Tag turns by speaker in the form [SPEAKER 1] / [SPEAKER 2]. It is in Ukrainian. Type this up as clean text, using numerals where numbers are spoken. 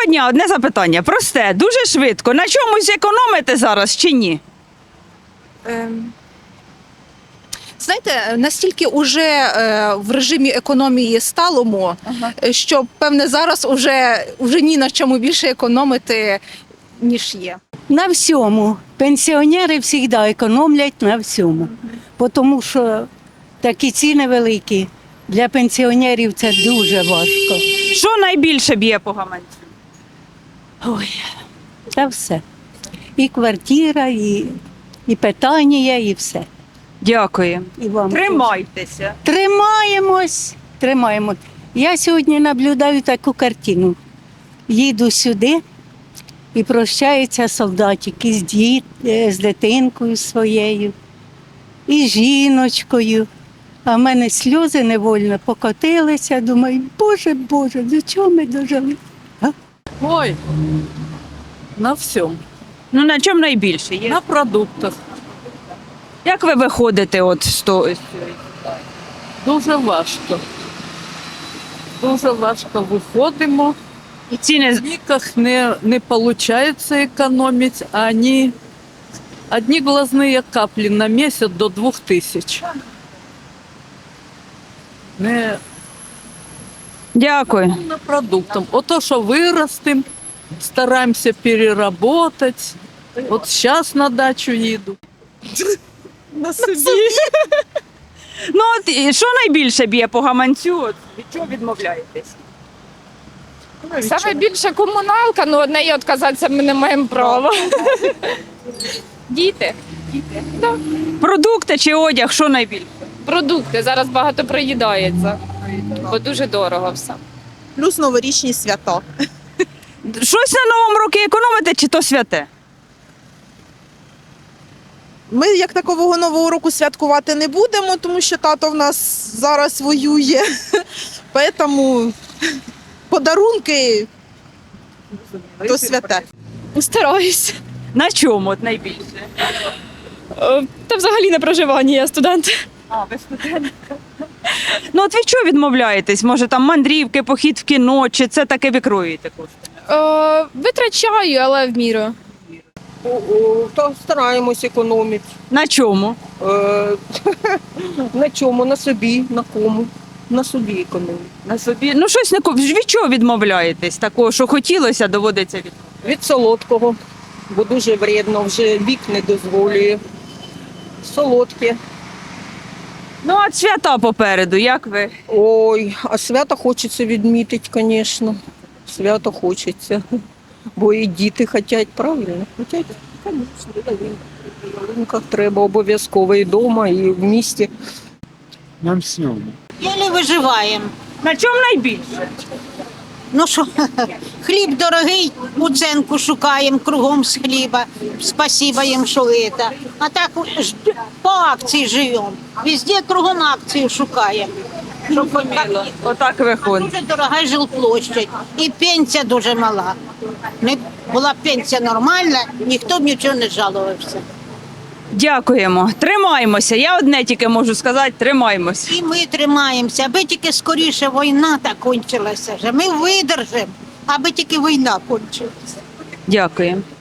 [SPEAKER 1] Доброго дня, одне запитання. Просте, дуже швидко. На чомусь економите зараз чи ні?
[SPEAKER 2] Знаєте, настільки вже в режимі економії сталому, що певне зараз уже ні на чому більше економити, ніж є.
[SPEAKER 3] На всьому. Пенсіонери завжди економлять на всьому. Тому що такі ціни великі. Для пенсіонерів це дуже важко.
[SPEAKER 1] Що найбільше б'є по гаманцю?
[SPEAKER 3] Ой, та все. І квартира, і питання, і все.
[SPEAKER 1] Дякую.
[SPEAKER 3] І вам теж.
[SPEAKER 1] Тримайтеся.
[SPEAKER 3] Тримаємось. Я сьогодні наблюдаю таку картину. Їду сюди і прощається солдатик з дитинкою своєю, і жіночкою. А в мене сльози невольно покотилися. Думаю, Боже, до чого ми дожили?
[SPEAKER 4] Ой, на всьому.
[SPEAKER 1] Ну на чому найбільше є?
[SPEAKER 4] На продуктах.
[SPEAKER 1] Як ви виходите от з того?
[SPEAKER 4] Дуже важко. Дуже важко виходимо.
[SPEAKER 1] І ціни
[SPEAKER 4] Никак не виходить економити, а одні глазні каплі на місяць до 2000. Не
[SPEAKER 1] Дякую.
[SPEAKER 4] на продуктам. Ото, що виростемо, стараємося переработати. От зараз на дачу їду.
[SPEAKER 2] На собі.
[SPEAKER 1] Ну от і що найбільше б'є по гаманцю? От, від чого відмовляєтесь?
[SPEAKER 5] Саме більше комуналка, ну від неї відказатися ми не маємо права. Діти.
[SPEAKER 1] Продукти чи одяг, що найбільше?
[SPEAKER 5] Продукти. Зараз багато приїдається, бо дуже дорого все.
[SPEAKER 2] Плюс новорічні свята.
[SPEAKER 1] Щось на Новому році економите чи то святе?
[SPEAKER 6] Ми як такового нового року святкувати не будемо, тому що тато в нас зараз воює. Тому подарунки то святе.
[SPEAKER 5] Стараюсь.
[SPEAKER 1] На чому от найбільше?
[SPEAKER 5] Та взагалі на проживання, я студент.
[SPEAKER 1] А, ви студентка. Ну от від чого відмовляєтесь? Може там мандрівки, похід в кіно, чи це таке викроюєте кошти?
[SPEAKER 5] Витрачаю, але в міру.
[SPEAKER 7] То стараємось економити.
[SPEAKER 1] На чому?
[SPEAKER 7] На чому? На собі, на кому? На собі економити.
[SPEAKER 1] На собі. Ну щось не від чого відмовляєтесь? Такого, що хотілося, доводиться від.
[SPEAKER 7] Від солодкого, бо дуже вредно, вже вік не дозволює. Солодке.
[SPEAKER 1] Ну а свята попереду, як ви?
[SPEAKER 7] Ой, а свято хочеться відмітити, звісно. Свято хочеться. Бо і діти хочуть, правильно? Хочуть, звісно, на ялинках треба обов'язково і вдома, і в місті.
[SPEAKER 8] На всьому.
[SPEAKER 9] Єлі виживаємо.
[SPEAKER 1] На чому найбільше?
[SPEAKER 9] Ну що, хліб дорогий, уценку шукаємо кругом з хліба. Спасибо їм, що це. А так по акції живемо. Везде кругом акцію шукаємо. Щоб
[SPEAKER 1] Отак виходить.
[SPEAKER 9] дуже дорога жилплощадь. І пенсія дуже мала. Не була б пенсія нормальна, ніхто б нічого не жалувався.
[SPEAKER 1] Дякуємо. Тримаємося. Я одне тільки можу сказати, тримаємося.
[SPEAKER 9] І ми тримаємося, аби тільки скоріше війна та кончилася. Ми видержимо, аби тільки війна кончилася.
[SPEAKER 1] Дякую.